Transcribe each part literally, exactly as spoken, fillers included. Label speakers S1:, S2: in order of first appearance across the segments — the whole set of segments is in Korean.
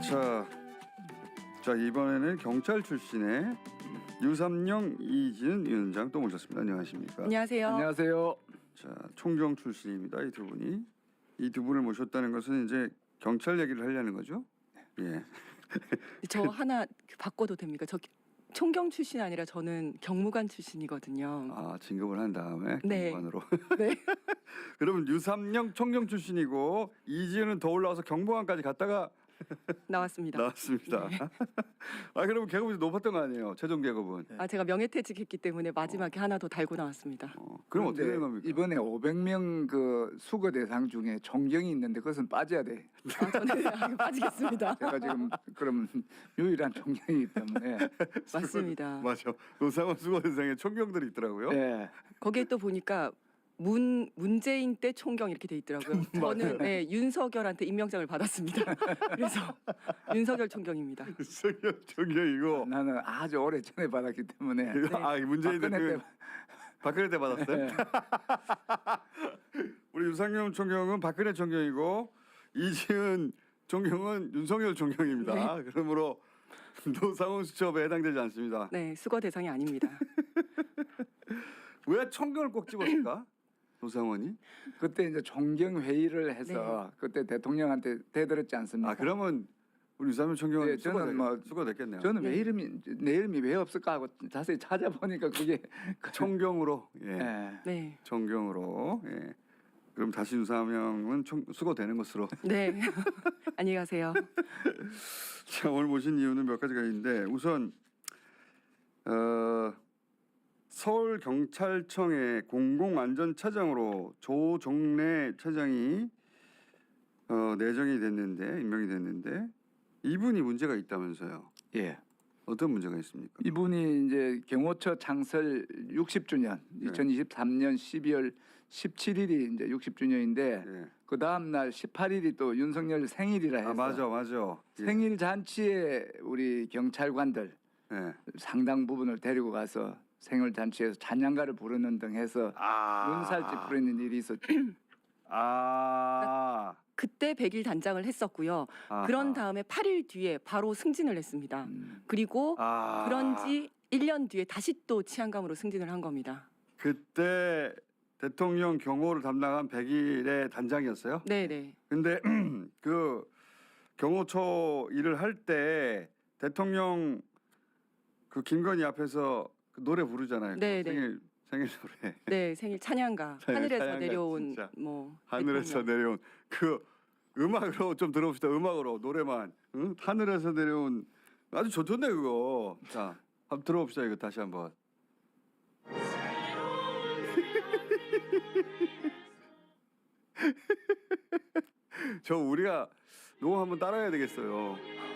S1: 자, 자 이번에는 경찰 출신의 유삼영 이지은 위원장 또 모셨습니다. 안녕하십니까?
S2: 안녕하세요.
S3: 안녕하세요.
S1: 자, 총경 출신입니다. 이 두 분이 이 두 분을 모셨다는 것은 이제 경찰 얘기를 하려는 거죠? 예.
S2: 저 하나 바꿔도 됩니까? 저 총경 출신 아니라 저는 경무관 출신이거든요.
S1: 아, 진급을 한 다음에
S2: 네.
S1: 경무관으로.
S2: 네.
S1: 그러면 유삼영 총경 출신이고 이지은은 더 올라와서 경무관까지 갔다가
S2: 나왔습니다.
S1: 나왔습니다.
S2: 네.
S1: 아, 그러면 계급이 높았던 거 아니에요? 최종 계급은.
S2: 아 제가 명예퇴직했기 때문에 마지막에 하나 더 달고 나왔습니다.
S1: 어, 그럼 어떻게 되는 겁니까?
S3: 이번에 오백 명 그 수거 대상 중에 존경이 있는데 그것은 빠져야 돼.
S2: 아, 저는 아, 빠지겠습니다.
S3: 제가 지금 그럼 유일한 존경이기 때문에.
S2: 맞습니다.
S1: 맞아. 노상원 수고 대상에 총경들이 있더라고요.
S3: 네.
S2: 거기에 또 보니까 문 문재인 때 총경 이렇게 돼 있더라고요. 저는 네, 윤석열한테 임명장을 받았습니다. 그래서 윤석열 총경입니다.
S1: 윤석열 총경이고.
S3: 나는 아주 오래 전에 받았기 때문에.
S2: 네.
S1: 아, 문재인
S3: 박근혜
S1: 대통령
S3: 때-
S1: 박근혜 때 받았어요?
S3: 네.
S1: 우리 유상영 총경은 박근혜 총경이고 이지은 총경은 윤석열 총경입니다. 그러므로 노상원 수첩에 해당되지 않습니다.
S2: 네, 수거 대상이 아닙니다.
S1: 왜 총경을 꼭 집었을까? 노상원이?
S3: 그때 이제 존경 회의를 해서 그때 대통령한테 대들었지 않습니까?
S1: 아, 그러면 우리 유상영 총경은
S3: 네,
S1: 수고,
S3: 저는 뭐
S1: 수고 됐겠네요.
S3: 저는 왜
S2: 네.
S3: 이름이 내 이름이 왜 없을까 하고 자세히 찾아보니까 그게
S1: 총경으로. 예.
S3: 예.
S2: 네,
S1: 총경으로. 예. 그럼 다시 유상영은 총, 수고되는 것으로.
S2: 네. 안녕히 가세요.
S1: 자, 오늘 모신 이유는 몇 가지가 있는데 우선 어, 서울경찰청의 공공안전차장으로 조종래 차장이 어, 내정이 됐는데 임명이 됐는데 이분이 문제가 있다면서요.
S3: 예.
S1: 어떤 문제가 있습니까?
S3: 이분이 이제 경호처 창설 육십 주년
S1: 네.
S3: 이천이십삼 년 십이월 십칠일이 이제 육십 주년인데
S1: 예.
S3: 그 다음 날 십팔 일이 또 윤석열 생일이라 해서
S1: 아, 맞아, 맞아. 예.
S3: 생일 잔치에 우리 경찰관들
S1: 예.
S3: 상당 부분을 데리고 가서 생일 잔치에서 찬양가를 부르는 등 해서
S1: 아,
S3: 눈살찌 부리는 일이 있었죠.
S1: 아,
S2: 그때 백 일 단장을 했었고요.
S1: 아하.
S2: 그런 다음에 팔 일 뒤에 바로 승진을 했습니다.
S3: 음.
S2: 그리고
S1: 아.
S2: 그런지 일 년 뒤에 다시 또 치안감으로 승진을 한 겁니다.
S1: 그때 대통령 경호를 담당한 백 일의 단장이었어요.
S2: 네네.
S1: 근데 그 경호처 일을 할 때 대통령 그 김건희 앞에서 그 노래 부르잖아요.
S2: 네, 네.
S1: 생일 생일 노래.
S2: 네 생일 찬양가
S1: 찬양-
S2: 하늘에서
S1: 찬양가
S2: 내려온
S1: 진짜.
S2: 뭐
S1: 하늘에서
S2: 대통령.
S1: 내려온 그 음악으로 좀 들어봅시다. 음악으로 노래만. 응? 하늘에서 내려온 아주 좋던데 그거. 자, 한번 들어봅시다. 이거 다시 한번. 저 우리가 녹음 한번 따라해야 되겠어요.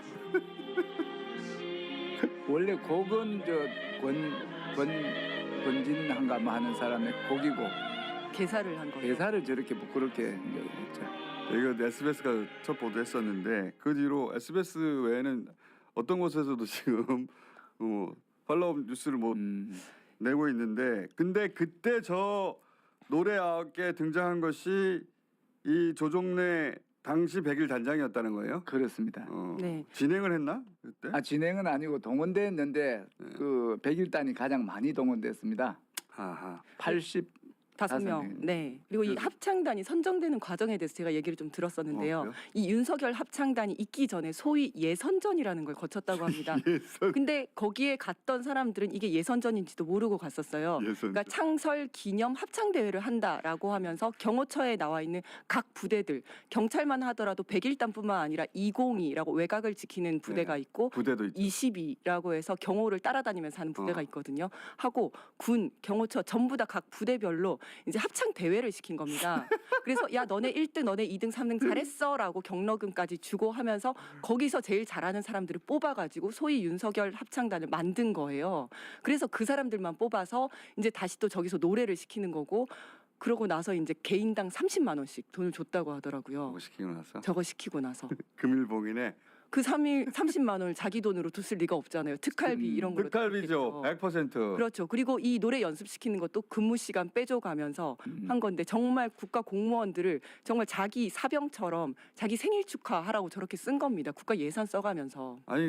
S3: 원래 곡은 저권 권진한가 뭐 하는 사람의 곡이고
S2: 개사를 한 거예요.
S3: 대사를 저렇게 부끄럽게 이제 했죠.
S1: 이거 에스비에스가 첫 보도했었는데 그 뒤로 에스비에스 외에는 어떤 곳에서도 지금 어, 팔로우 뉴스를 못
S3: 음.
S1: 내고 있는데 근데 그때 저 노래 아홉 개 등장한 것이 이 조종래 당시 백 일 단장이었다는 거예요?
S3: 그렇습니다.
S1: 어,
S2: 네.
S1: 진행을 했나 그때?
S3: 아 진행은 아니고 동원됐는데
S1: 네.
S3: 그 백일단이 가장 많이 동원됐습니다.
S1: 아하.
S3: 팔십
S2: 다섯
S3: 다섯
S2: 명.
S3: 명.
S2: 네. 그리고 이
S1: 그래서-
S2: 합창단이 선정되는 과정에 대해서 제가 얘기를 좀 들었었는데요.
S1: 어, 그래요?
S2: 이 윤석열 합창단이 있기 전에 소위 예선전이라는 걸 거쳤다고 합니다.
S1: 예선
S2: 근데 거기에 갔던 사람들은 이게 예선전인지도 모르고 갔었어요.
S1: 예선.
S2: 그러니까 창설 기념 합창 대회를 한다라고 하면서 경호처에 나와 있는 각 부대들 경찰만 하더라도 백 일 단뿐만 아니라 이공이라고 외곽을 지키는 부대가
S1: 네.
S2: 있고
S1: 부대도 있죠.
S2: 이십이라고 해서 경호를 따라다니면서 하는 부대가
S1: 어.
S2: 있거든요. 하고 군, 경호처 전부 다 각 부대별로 이제 합창 대회를 시킨 겁니다. 그래서 야 너네 일 등, 너네 이 등, 삼 등 잘했어라고 경로금까지 주고 하면서 거기서 제일 잘하는 사람들을 뽑아가지고 소위 윤석열 합창단을 만든 거예요. 그래서 그 사람들만 뽑아서 이제 다시 또 저기서 노래를 시키는 거고 그러고 나서 이제 개인당 삼십만 원씩 돈을 줬다고 하더라고요.
S1: 뭐 시키고 나서
S2: 저거 시키고 나서.
S1: 금일봉이네.
S2: 그 삼일 삼십만 원을 자기 돈으로 뒀을 리가 없잖아요. 특활비
S3: 음,
S2: 이런 걸로.
S1: 특갈비죠.
S2: 뒀겠죠.
S1: 백 퍼센트.
S2: 그렇죠. 그리고 이 노래 연습시키는 것도 근무 시간 빼줘가면서
S3: 음.
S2: 한 건데 정말 국가 공무원들을 정말 자기 사병처럼 자기 생일 축하하라고 저렇게 쓴 겁니다. 국가 예산 써가면서.
S1: 아니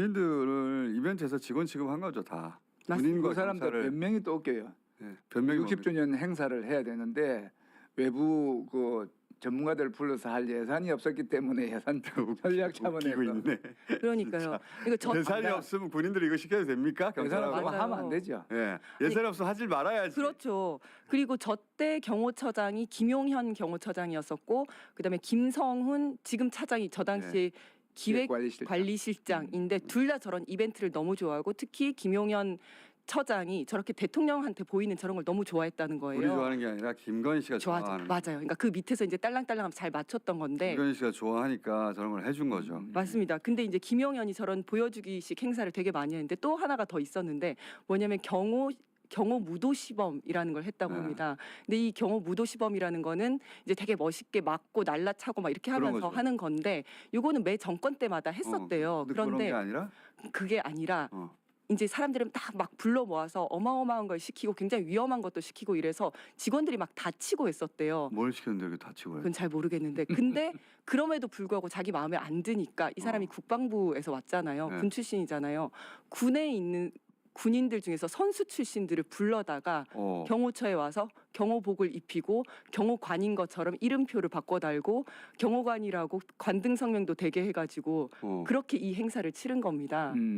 S1: 군인들을 이벤트에서 직원 취급한 거죠 다.
S2: 맞습니다.
S1: 군인과
S3: 그 사람들
S1: 경찰을
S3: 변명이 또 웃겨요.
S1: 예, 변명이
S3: 육십 주년 행사를 해야 되는데 외부 그 전문가들 불러서 할 예산이 없었기 때문에 예산 전략 차원에서
S1: 웃기고 있네.
S2: 그러니까요. 이거 저
S1: 예산이
S3: 나-
S1: 없으면 군인들이 이거 시켜도 됩니까?
S3: 예산
S1: 경찰하고?
S3: 없으면
S2: 맞아요.
S3: 하면 안 되죠.
S1: 예, 예산 없으면 하지 말아야지.
S2: 그렇죠. 그리고 저 때 경호처장이 김용현 경호처장이었었고, 그다음에 김성훈 지금 차장이 저 당시에
S3: 기획관리실장.
S2: 기획관리실장인데 둘 다 저런 이벤트를 너무 좋아하고 특히 김용현 처장이 저렇게 대통령한테 보이는 저런 걸 너무 좋아했다는 거예요.
S1: 우리 좋아하는 게 아니라 김건희 씨가
S2: 좋아하죠.
S1: 좋아하는.
S2: 맞아요. 그러니까 그 밑에서 이제 딸랑딸랑 잘 맞췄던 건데.
S1: 김건희 씨가 좋아하니까 저런 걸 해준 거죠.
S3: 음.
S2: 맞습니다. 근데 이제 김용현이 저런 보여주기식 행사를 되게 많이 했는데 또 하나가 더 있었는데 뭐냐면 경호 경호 무도 시범이라는 걸 했다고
S1: 네.
S2: 합니다. 근데 이 경호 무도 시범이라는 거는 이제 되게 멋있게 맞고 날라차고 막 이렇게
S1: 그런
S2: 하면서
S1: 거죠.
S2: 하는 건데 요거는 매 정권 때마다 했었대요.
S1: 어, 근데 그런
S2: 그런데
S1: 게 아니라
S2: 그게 아니라
S1: 어.
S2: 이제 사람들은 다 막 불러 모아서 어마어마한 걸 시키고 굉장히 위험한 것도 시키고 이래서 직원들이 막 다치고 했었대요.
S1: 뭘 시켰는데 이렇게 다치고 해?
S2: 그건 잘 모르겠는데 근데 그럼에도 불구하고 자기 마음에 안 드니까 이 사람이
S1: 어.
S2: 국방부에서 왔잖아요.
S1: 네.
S2: 군 출신이잖아요. 군에 있는 군인들 중에서 선수 출신들을 불러다가
S1: 어.
S2: 경호처에 와서 경호복을 입히고 경호관인 것처럼 이름표를 바꿔 달고 경호관이라고 관등 성명도 되게 해가지고
S1: 어.
S2: 그렇게 이 행사를 치른 겁니다.
S3: 음.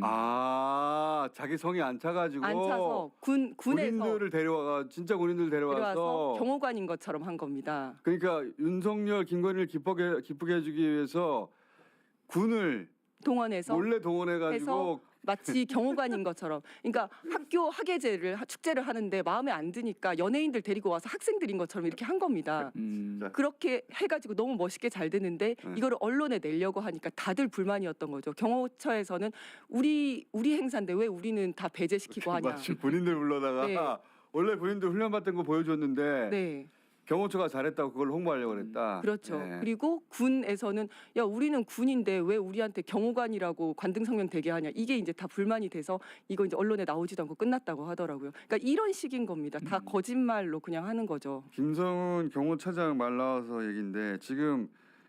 S1: 아 자기 성이 안 차가지고
S2: 안 차서 군 군에서
S1: 군인들을 데려와가 진짜 군인들 데려와서,
S2: 데려와서 경호관인 것처럼 한 겁니다.
S1: 그러니까 윤석열 김건희를 기쁘게 기쁘게 해주기 위해서 군을
S2: 동원해서
S1: 몰래 동원해가지고
S2: 해서 마치 경호관인 것처럼. 그러니까 학교 학예제를 하- 축제를 하는데 마음에 안 드니까 연예인들 데리고 와서 학생들인 것처럼 이렇게 한 겁니다.
S3: 음.
S2: 그렇게 해가지고 너무 멋있게 잘 됐는데
S1: 네.
S2: 이거를 언론에 내려고 하니까 다들 불만이었던 거죠. 경호처에서는 우리 우리 행사인데 왜 우리는 다 배제시키고 하냐.
S1: 마치 군인들 불러다가
S2: 네.
S1: 원래 군인들 훈련 받던 거 보여줬는데
S2: 네,
S1: 경호처가 잘했다고 그걸 홍보하려고 그랬다.
S2: 그렇죠.
S1: 네.
S2: 그리고 군에서는 야 우리는 군인데 왜 우리한테 경호관이라고 관등 성명 되게 하냐. 이게 이제 다 불만이 돼서 이거 이제 언론에 나오지도 않고 끝났다고 하더라고요. 그러니까 이런 식인 겁니다. 다
S3: 음.
S2: 거짓말로 그냥 하는 거죠.
S1: 김성훈 경호차장 말 나와서 얘기인데 지금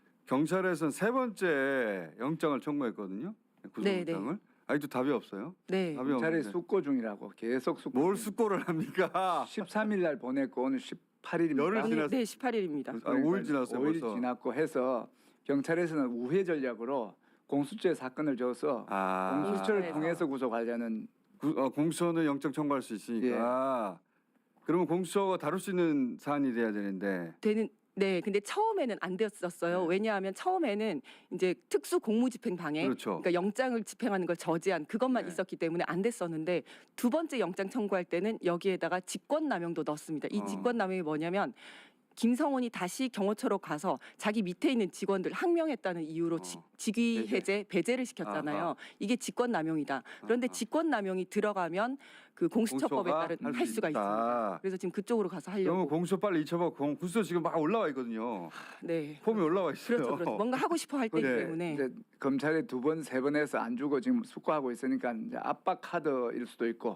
S1: 경찰에서는 세 번째 영장을 청구했거든요. 구속영장을. 아직도 답이 없어요.
S2: 네.
S1: 답이
S3: 경찰에
S1: 없는데
S3: 숙고 중이라고 계속 숙고.
S1: 뭘
S3: 중.
S1: 숙고를 합니까?
S3: 십삼 일 날 보냈고 오늘 십팔 일입니다.
S1: 열흘 지났-
S2: 네, 십팔 일입니다.
S1: 아, 오 일 지났어요.
S3: 오 일
S1: 벌써.
S3: 지났고 해서 경찰에서는 우회 전략으로 공수처에 사건을 줘서
S1: 아,
S3: 공수처를
S2: 아.
S3: 통해서 구속하려는
S1: 구, 어, 공수처는 영장 청구할 수 있으니까. 그러면 공수처가 다룰 수 있는 사안이 돼야 되는데.
S2: 되는 네, 근데 처음에는 안 됐었어요.
S1: 네.
S2: 왜냐하면 처음에는 이제 특수 공무집행 방해,
S1: 그렇죠.
S2: 그러니까 영장을 집행하는 걸 저지한 그것만
S1: 네.
S2: 있었기 때문에 안 됐었는데 두 번째 영장 청구할 때는 여기에다가 직권남용도 넣습니다. 이
S1: 어.
S2: 직권남용이 뭐냐면 김성훈이 다시 경호처로 가서 자기 밑에 있는 직원들 항명했다는 이유로
S1: 어.
S2: 직, 직위
S3: 배제.
S2: 해제 배제를 시켰잖아요.
S1: 아하.
S2: 이게 직권남용이다. 그런데
S1: 아하.
S2: 직권남용이 들어가면 그 공수처법에
S1: 공수처가
S2: 따른
S1: 할
S2: 할
S1: 수
S2: 수가
S1: 있다.
S2: 있습니다. 그래서 지금 그쪽으로 가서
S1: 그러면
S2: 하려고.
S1: 공수처 빨리 잊혀봐. 공- 공수처 지금 막 올라와 있거든요.
S2: 네.
S1: 폼이 올라와 있어요.
S2: 그렇죠, 그렇죠. 뭔가 하고 싶어 할 때이기
S1: 네.
S2: 때문에.
S3: 이제 검찰에 두 번 세 번 해서 안 주고 지금 숙고하고 있으니까 이제 압박 카드일 수도 있고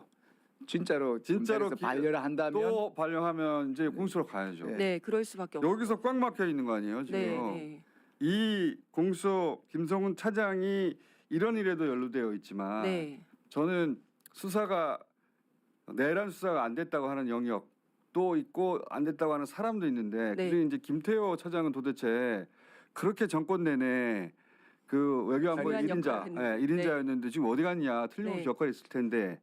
S3: 진짜로
S1: 진짜로
S3: 검찰에서
S1: 기-
S3: 반려를 한다면
S1: 또 발령하면 이제 공수처로 가야죠.
S3: 네.
S2: 네, 그럴 수밖에 없어요.
S1: 여기서 꽉 막혀 있는 거 아니에요 지금?
S2: 네, 네.
S1: 이 공수처 김성훈 차장이 이런 일에도 연루되어 있지만
S2: 네.
S1: 저는 수사가 내란 수사가 안 됐다고 하는 영역도 있고 안 됐다고 하는 사람도 있는데
S2: 네.
S1: 그중에 이제 김태호 차장은 도대체 그렇게 정권 내내 그 외교안보
S2: 중요한
S1: 일 인자,
S2: 역할을 했는데.
S1: 예, 일 인자였는데 지금 어디 갔냐 틀림없이
S2: 네.
S1: 역할이 있을 텐데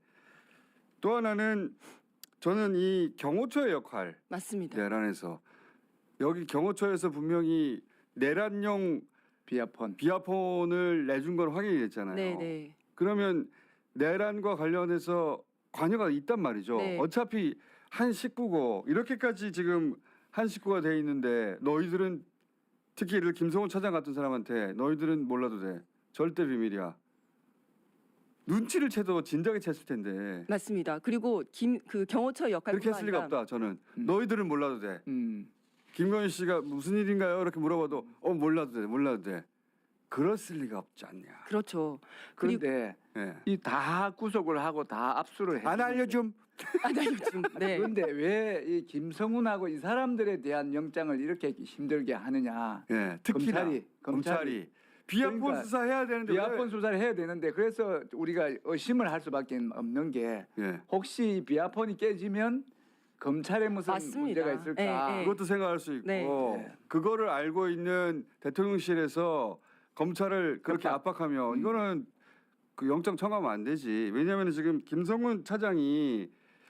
S1: 또 하나는 저는 이 경호처의 역할
S2: 맞습니다.
S1: 내란에서 여기 경호처에서 분명히 내란용
S3: 비아폰
S1: 비아폰을 내준 건 확인이 됐잖아요.
S2: 네, 네.
S1: 그러면 내란과 관련해서 관여가 있단 말이죠.
S2: 네.
S1: 어차피 한 식구고 이렇게까지 지금 한 식구가 돼 있는데 너희들은 특히 예를 들어 김성훈 차장 같은 사람한테 너희들은 몰라도 돼. 절대 비밀이야. 눈치를 채도 진작에 챘을 텐데
S2: 맞습니다. 그리고 김 그 경호처 역할
S1: 그렇게 했을 리가 없다. 저는
S3: 음.
S1: 너희들은 몰라도 돼.
S3: 음.
S1: 김건희 씨가 무슨 일인가요? 이렇게 물어봐도 어 몰라도 돼, 몰라도 돼. 그랬을 리가 없지 않냐.
S2: 그렇죠. 그리고
S3: 그런데
S1: 예.
S3: 이 다 구속을 하고 다 압수를 해.
S1: 안 알려줌.
S2: 아, 나 요즘 네.
S3: 그런데 왜 이 김성훈하고 이 사람들에 대한 영장을 이렇게 힘들게 하느냐?
S1: 예. 특히나
S3: 검찰이
S1: 검찰이 비합본
S3: 그러니까
S1: 수사해야 되는데
S3: 비합본 수사를 해야 되는데 그래서 우리가 의심을 할 수밖에 없는 게
S1: 왜? 예.
S3: 혹시 비합본이 깨지면 검찰에 무슨
S2: 맞습니다.
S3: 문제가 있을까?
S2: 예, 예.
S1: 그것도 생각할 수 있고
S2: 네.
S3: 네.
S1: 그거를 알고 있는 대통령실에서 검찰을 그렇게
S3: 협박.
S1: 압박하면
S3: 음.
S1: 이거는 그 영장 청구하면 안 되지. 왜냐하면 지금 김성훈 차장이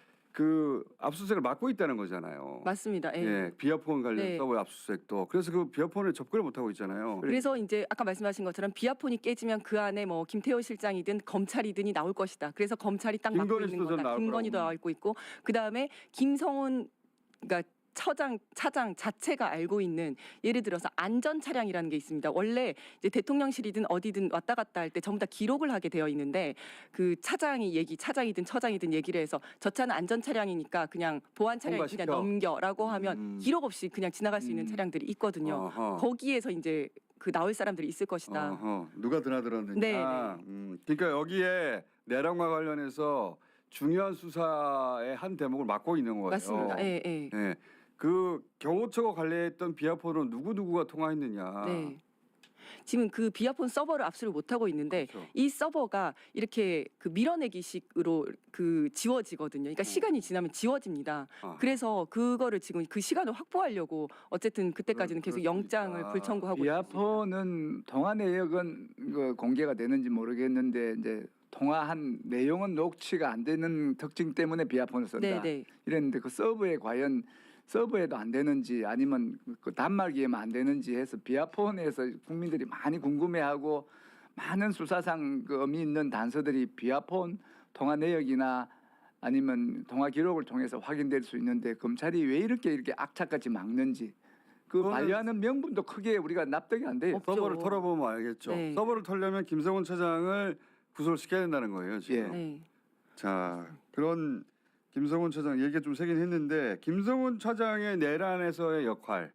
S1: 그 압수수색을 맡고 있다는 거잖아요.
S2: 맞습니다. 예.
S1: 예, 비아폰 관련
S2: 네.
S1: 서버 압수수색도. 그래서 그 비아폰에 접근을 못 하고 있잖아요.
S2: 그래서 이제 아까 말씀하신 것처럼 비아폰이 깨지면 그 안에 뭐 김태호 실장이든 검찰이든이 나올 것이다. 그래서 검찰이 딱 맡고
S1: 김건희
S2: 있는
S1: 수도
S2: 거다.
S1: 나올
S2: 김건희도
S1: 거라고.
S2: 나와 있고 있고 그 다음에 김성훈 그러니까 처장 차장 자체가 알고 있는 예를 들어서 안전 차량이라는 게 있습니다. 원래 이제 대통령실이든 어디든 왔다 갔다 할 때 전부 다 기록을 하게 되어 있는데 그 차장이 얘기 차장이든 처장이든 얘기를 해서 저 차는 안전 차량이니까 그냥 보안 차량이 그냥
S1: 통과시켜.
S2: 넘겨라고 하면
S1: 음.
S2: 기록 없이 그냥 지나갈 수 있는
S3: 음.
S2: 차량들이 있거든요.
S1: 어허.
S2: 거기에서 이제 그 나올 사람들이 있을 것이다.
S1: 어허. 누가 드나들었느냐.
S2: 네, 네.
S1: 음, 그러니까 여기에 내란과 관련해서 중요한 수사의 한 대목을 맡고 있는 거예요.
S2: 맞습니다. 예, 예.
S1: 예. 그 경호처가 관리했던 비아폰은 누구 누구가 통화했느냐.
S2: 네. 지금 그 비아폰 서버를 압수를 못 하고 있는데
S1: 그렇죠.
S2: 이 서버가 이렇게 그 밀어내기식으로 그 지워지거든요. 그러니까 시간이 지나면 지워집니다.
S1: 아.
S2: 그래서 그거를 지금 그 시간을 확보하려고 어쨌든 그때까지는
S1: 그럴-
S2: 계속
S1: 그럴 수
S2: 영장을
S1: 있다.
S2: 불청구하고 있습니다.
S3: 비아폰은 통화 내역은 그 공개가 되는지 모르겠는데 이제 통화한 내용은 녹취가 안 되는 특징 때문에 비아폰을 쓴다.
S2: 네, 네.
S3: 이랬는데 그 서버에 과연 서버에도 안 되는지 아니면 그 단말기에만 안 되는지 해서 비아폰에서 국민들이 많이 궁금해하고 많은 수사상 그 의미 있는 단서들이 비아폰 통화 내역이나 아니면 통화 기록을 통해서 확인될 수 있는데 검찰이 왜 이렇게 이렇게 악착같이 막는지 그
S1: 그거는-
S3: 반려하는 명분도 크게 우리가 납득이 안 돼요.
S2: 없죠.
S1: 서버를 털어보면 알겠죠.
S2: 네.
S1: 서버를 털려면 김성훈 차장을 구속을 시켜야 된다는 거예요. 지금.
S3: 예.
S2: 네.
S1: 자, 그런 김성훈 차장 얘기가 좀 세긴 했는데 김성훈 차장의 내란에서의 역할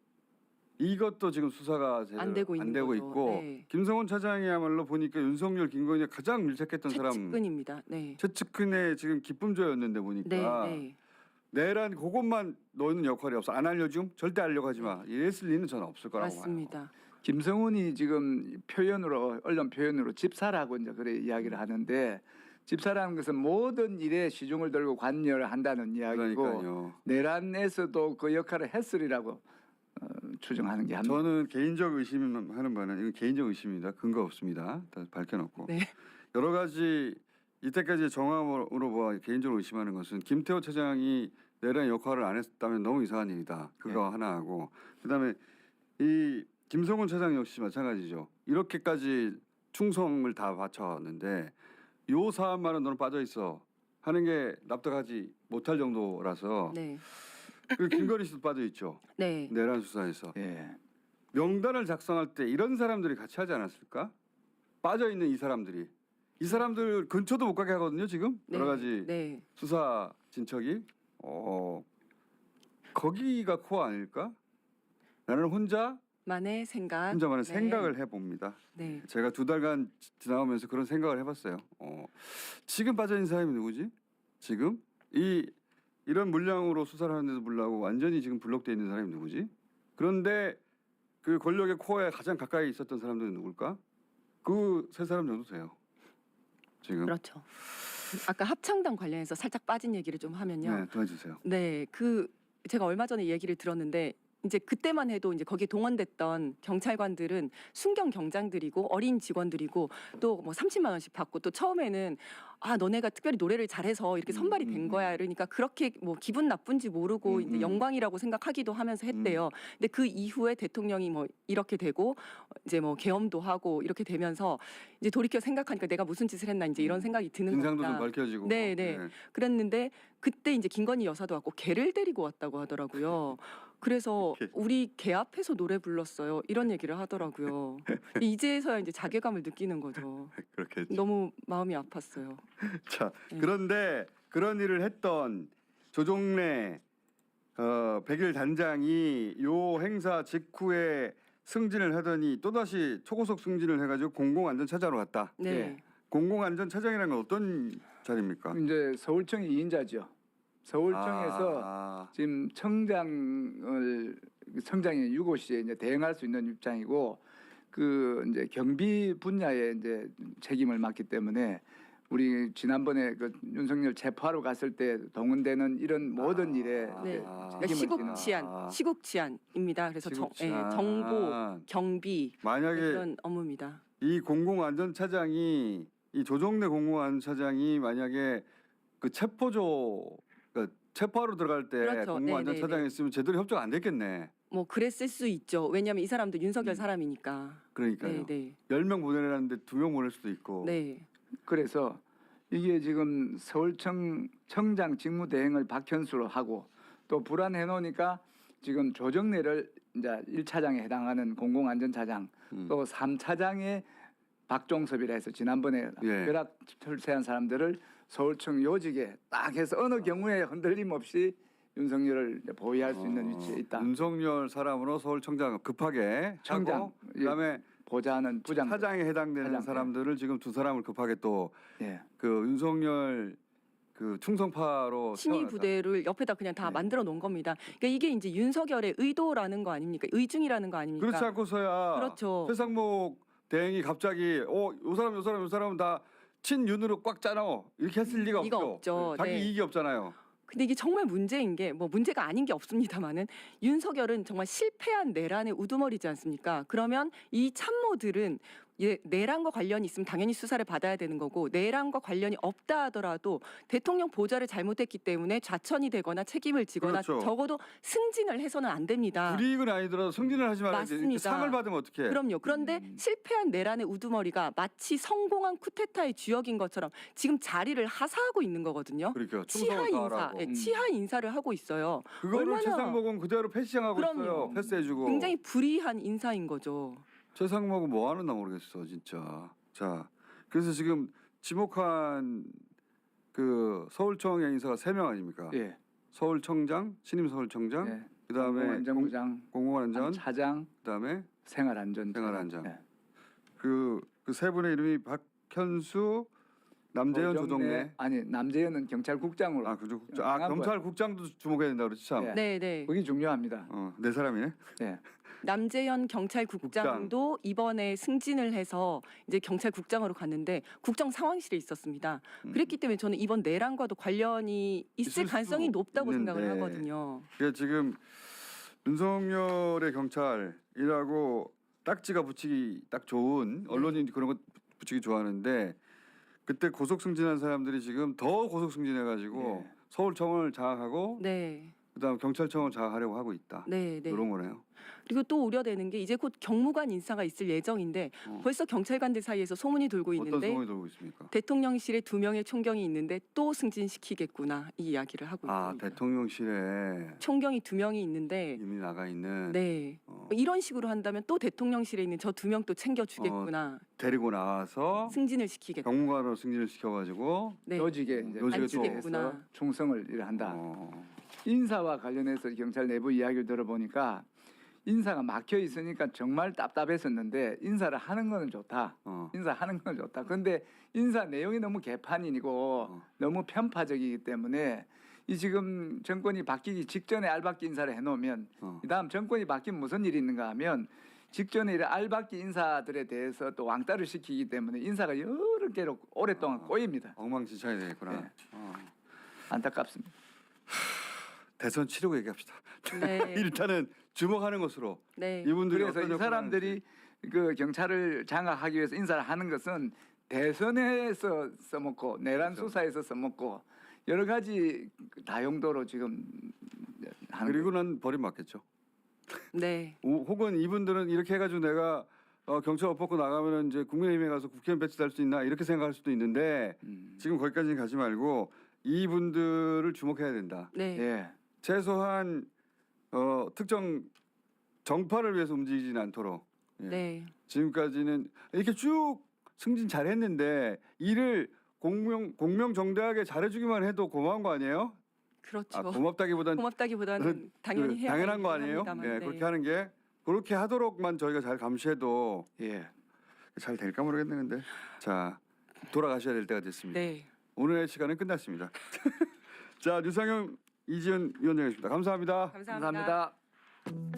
S1: 이것도 지금 수사가 제대로
S2: 안 되고 있는 거죠.
S1: 있고
S2: 네.
S1: 김성훈 차장이야말로 보니까 윤석열, 김건희가 가장 밀착했던 사람
S2: 최측근입니다. 네.
S1: 최측근의 지금 기쁨조였는데
S2: 네,
S1: 보니까
S2: 네.
S1: 내란 그것만 너는 역할이 없어 안 알려줌 절대 알려고 하지 마 이랬을 리는 저는 없을 거라고 봐요.
S2: 맞습니다.
S3: 김성훈이 지금 표현으로 언론 표현으로 집사라고 이제 그래 이야기를 하는데 집사라는 것은 모든 일에 시중을 들고 관여를 한다는 이야기고
S1: 그러니까요.
S3: 내란에서도 그 역할을 했으리라고 어, 추정하는 게 합니다.
S1: 저는 개인적 의심하는 바는 이건 개인적 의심입니다. 근거 없습니다. 다 밝혀놓고
S2: 네.
S1: 여러 가지 이때까지 정황으로 봐 개인적으로 의심하는 것은 김태호 차장이 내란 역할을 안 했다면 너무 이상한 일이다. 그거
S3: 네.
S1: 하나 하고 그다음에 이 김성훈 차장 역시 마찬가지죠. 이렇게까지 충성을 다 바쳤는데 요 사안만은 너는 빠져 있어 하는 게 납득하지 못할 정도라서
S2: 네.
S1: 그리고 김건희 씨도 빠져 있죠.
S2: 네.
S1: 내란 수사에서
S3: 예.
S1: 명단을 작성할 때 이런 사람들이 같이 하지 않았을까? 빠져 있는 이 사람들이 이 사람들 근처도 못 가게 하거든요. 지금
S2: 네.
S1: 여러 가지
S2: 네.
S1: 수사 진척이 어 거기가 코어 아닐까? 나는 혼자
S2: 만의 생각.
S1: 혼자만의
S2: 네.
S1: 생각을 해봅니다.
S2: 네.
S1: 제가 두 달간 지- 지나오면서 그런 생각을 해봤어요. 어, 지금 빠져 있는 사람이 누구지? 지금 이 이런 물량으로 수사를 하는데도 불구하고 완전히 지금 블록돼 있는 사람이 누구지? 그런데 그 권력의 코어에 가장 가까이 있었던 사람들은 누굴까? 그 세 사람 정도 돼요. 지금
S2: 그렇죠. 아까 합창단 관련해서 살짝 빠진 얘기를 좀 하면요.
S1: 네, 도와주세요.
S2: 네, 그 제가 얼마 전에 얘기를 들었는데 이제 그때만 해도 이제 거기에 동원됐던 경찰관들은 순경 경장들이고 어린 직원들이고 또 뭐 삼십만 원씩 받고 또 처음에는 아 너네가 특별히 노래를 잘해서 이렇게 선발이
S1: 음,
S2: 된
S1: 음,
S2: 거야 이러니까 그렇게 뭐 기분 나쁜지 모르고
S1: 음,
S2: 이제
S1: 음.
S2: 영광이라고 생각하기도 하면서 했대요. 근데 그 이후에 대통령이 뭐 이렇게 되고 이제 뭐 계엄도 하고 이렇게 되면서 이제 돌이켜 생각하니까 내가 무슨 짓을 했나 이제 이런 생각이 드는
S1: 진상도 좀
S2: 겁니다.
S1: 밝혀지고.
S2: 네, 네. 그랬는데 그때 이제 김건희 여사도 왔고 개를 데리고 왔다고 하더라고요. 그래서
S1: 개.
S2: 우리 개 앞에서 노래 불렀어요. 이런 얘기를 하더라고요. 이제서야 이제 자괴감을 느끼는 거죠.
S1: 그렇게.
S2: 너무 마음이 아팠어요.
S1: 자,
S2: 네.
S1: 그런데 그런 일을 했던 조종래 어, 백일 단장이 요 행사 직후에 승진을 하더니 또 다시 초고속 승진을 해가지고 공공안전차장으로 갔다.
S2: 네.
S3: 예.
S1: 공공안전차장이라는 건 어떤 자리입니까?
S3: 이제 서울청이 이 인자죠. 서울청에서
S1: 아,
S3: 지금 청장을 청장이 유고시에 이제 대행할 수 있는 입장이고 그 이제 경비 분야에 이제 책임을 맡기 때문에 우리 지난번에 그 윤석열 체포하러 갔을 때 동원되는 이런 모든 일에
S2: 네.
S3: 이제
S2: 그러니까
S3: 책임을
S2: 시국
S3: 지는
S2: 치안, 시국 치안입니다. 그래서 정, 예,
S1: 시국치안.
S2: 정보, 경비
S1: 만약에
S2: 이런 업무입니다.
S1: 이 공공안전차장이 이 조정래 공공안전차장이 만약에 그 체포조 그 체포하러 들어갈 때
S2: 그렇죠.
S1: 공공안전차장이
S2: 네, 네,
S1: 있으면 제대로 협조가 안 됐겠네.
S2: 뭐 그랬을 수 있죠. 왜냐하면 이 사람도 윤석열
S1: 음.
S2: 사람이니까.
S1: 그러니까요.
S2: 네, 네,
S1: 열 명 보내라는데 두 명 보낼 수도 있고.
S2: 네,
S3: 그래서 이게 지금 서울청 청장 직무대행을 박현수로 하고 또 불안해 놓으니까 지금 조정래를 이제 일 차장에 해당하는 공공안전차장
S1: 음.
S3: 또 삼 차장에 박종섭이라 해서 지난번에
S1: 예.
S3: 벼락 철새한 사람들을 서울청 요직에 딱 해서 어느 경우에 흔들림 없이 윤석열을 이제 보위할 수 있는
S1: 어,
S3: 위치에 있다.
S1: 윤석열 사람으로 서울청장 급하게
S3: 청장,
S1: 하고
S3: 예.
S1: 그다음에
S3: 보좌하는 부장.
S1: 차장에 해당되는
S3: 차장,
S1: 사람들을 지금 두 사람을 급하게 또 그
S3: 예.
S1: 윤석열 그 충성파로
S2: 신의
S1: 세워놨다.
S2: 부대를 옆에다 그냥 다
S3: 네.
S2: 만들어 놓은 겁니다. 그러니까 이게 이제 윤석열의 의도라는 거 아닙니까? 의중이라는 거 아닙니까?
S1: 그렇지 않고서야
S2: 그렇죠.
S1: 최상목 대행이 갑자기 어요 사람 요 사람 요 사람은 다 친윤으로 꽉 짜놔 이렇게 했을 리가
S2: 리가
S1: 없죠.
S2: 없죠.
S1: 자기
S2: 네.
S1: 이익이 없잖아요.
S2: 근데 이게 정말 문제인 게 뭐 문제가 아닌 게 없습니다만은 윤석열은 정말 실패한 내란의 우두머리지 않습니까? 그러면 이 참모들은 예, 내란과 관련이 있으면 당연히 수사를 받아야 되는 거고 내란과 관련이 없다 하더라도 대통령 보좌를 잘못했기 때문에 좌천이 되거나 책임을 지거나
S1: 그렇죠.
S2: 적어도 승진을 해서는 안 됩니다.
S1: 불이익은 아니더라도 승진을 하지 말아야지. 이렇게
S2: 맞습니다.
S1: 상을 받으면 어떡해.
S2: 그럼요. 그런데
S3: 음.
S2: 실패한 내란의 우두머리가 마치 성공한 쿠데타의 주역인 것처럼 지금 자리를 하사하고 있는 거거든요.
S1: 그러니까
S2: 치하
S1: 충성을
S2: 인사,
S1: 다하라고.
S2: 예,
S3: 음.
S2: 치하 인사를 하고 있어요.
S1: 그거를
S2: 얼마나-
S1: 최상목은 그대로 패싱하고
S2: 그럼요.
S1: 있어요. 패스해주고.
S2: 굉장히 불이한 인사인 거죠.
S1: 최상목은 뭐 하는나 모르겠어 진짜. 자, 그래서 지금 지목한 그 서울청의 인사가 세 명 아닙니까?
S3: 예.
S1: 서울청장, 신임 서울청장,
S3: 예.
S1: 그다음에
S3: 공공안전부장,
S1: 공공안전,
S3: 차장,
S1: 그다음에
S3: 생활안전.
S1: 생활안전.
S3: 예.
S1: 그 그 세 분의 이름이 박현수, 남재현, 조정래.
S3: 아니 남재현은 경찰국장으로.
S1: 아, 그죠. 국장. 아,
S3: 강한
S1: 검찰국장도 주목해야 된다 그렇지 참.
S3: 예.
S2: 네, 네.
S3: 그게 중요합니다.
S1: 어, 네 사람이네.
S3: 예.
S2: 남재현 경찰국장도 이번에 승진을 해서 이제 경찰국장으로 갔는데 국정 상황실에 있었습니다.
S1: 음.
S2: 그랬기 때문에 저는 이번 내란과도 관련이
S1: 있을
S2: 있을 가능성이
S1: 수도
S2: 높다고 생각을
S1: 있는데.
S2: 하거든요.
S1: 그러니까 지금 윤석열의 경찰이라고 딱지가 붙이기 딱 좋은 언론인 그런 거 붙이기 좋아하는데 그때 고속 승진한 사람들이 지금 더 고속 승진해가지고
S3: 예.
S1: 서울청을 장악하고
S2: 네,
S1: 그다음 경찰청을 장악하려고 하고 있다.
S2: 네, 네.
S1: 이런 거네요.
S2: 그리고 또 우려되는 게 이제 곧 경무관 인사가 있을 예정인데
S1: 어.
S2: 벌써 경찰관들 사이에서 소문이 돌고
S1: 어떤
S2: 있는데
S1: 소문이 돌고 있습니까?
S2: 대통령실에 두 명의 총경이 있는데 또 승진시키겠구나 이 이야기를 하고
S1: 아
S2: 있습니다.
S1: 대통령실에
S2: 총경이 두 명이 있는데
S1: 이미 나가 있는
S2: 네.
S1: 어,
S2: 이런 식으로 한다면 또 대통령실에 있는 저 두 명 또 챙겨주겠구나.
S1: 데리고 나와서
S2: 승진을 시키겠다.
S1: 경무관으로 승진을 시켜가지고
S2: 네.
S3: 요직에 이제
S1: 요직에
S3: 배치돼서
S2: 또-
S3: 충성을 일 한다.
S1: 어,
S3: 인사와 관련해서 경찰 내부 이야기를 들어보니까 인사가 막혀 있으니까 정말 답답했었는데 인사를 하는 거는 좋다.
S1: 어.
S3: 인사하는 건 좋다. 그런데 인사 내용이 너무 개판이고
S1: 어.
S3: 너무 편파적이기 때문에 이 지금 정권이 바뀌기 직전에 알박기 인사를 해놓으면
S1: 어.
S3: 이 다음 정권이 바뀌면 무슨 일이 있는가 하면 직전에 이런 알박기 인사들에 대해서 또 왕따를 시키기 때문에 인사가 여러 개로 오랫동안
S1: 어.
S3: 꼬입니다.
S1: 엉망진창이 되겠구나.
S3: 네.
S1: 어.
S3: 안타깝습니다.
S1: 대선 치르고 얘기합시다.
S2: 네.
S1: 일단은 주목하는 것으로
S2: 네.
S1: 이분들이
S3: 그래서
S1: 어떤
S3: 이
S1: 역할을
S3: 사람들이 그 경찰을 장악하기 위해서 인사를 하는 것은 대선에서 써먹고 내란
S1: 그렇죠.
S3: 수사에서 써먹고 여러 가지 다용도로 지금
S1: 하는지.
S3: 하는
S1: 그리고 난 버림받겠죠.
S2: 네.
S1: 오, 혹은 이분들은 이렇게 해가지고 내가 어, 경찰 옷 벗고 나가면 이제 국민의힘에 가서 국회의원 배치될 수 있나 이렇게 생각할 수도 있는데
S3: 음.
S1: 지금 거기까지는 가지 말고 이분들을 주목해야 된다.
S2: 네.
S3: 예.
S1: 최소한 어, 특정 정파를 위해서 움직이지는 않도록 예.
S2: 네.
S1: 지금까지는 이렇게 쭉 승진 잘했는데 일을 공명 공명정대하게 잘해주기만 해도 고마운 거 아니에요?
S2: 그렇죠.
S1: 아, 고맙다기보단
S2: 고맙다기보다는 당연히
S1: 그
S2: 해야
S1: 당연한 거
S2: 할 일을
S1: 아니에요?
S2: 합니다만.
S1: 예,
S2: 네.
S1: 그렇게 하는 게 그렇게 하도록만 저희가 잘 감시해도
S3: 예.
S1: 잘 될까 모르겠네 근데. 자, 돌아가셔야 될 때가 됐습니다.
S2: 네.
S1: 오늘의 시간은 끝났습니다. 자, 류상영, 이지은 위원장이었습니다. 감사합니다.
S2: 감사합니다.
S3: 감사합니다.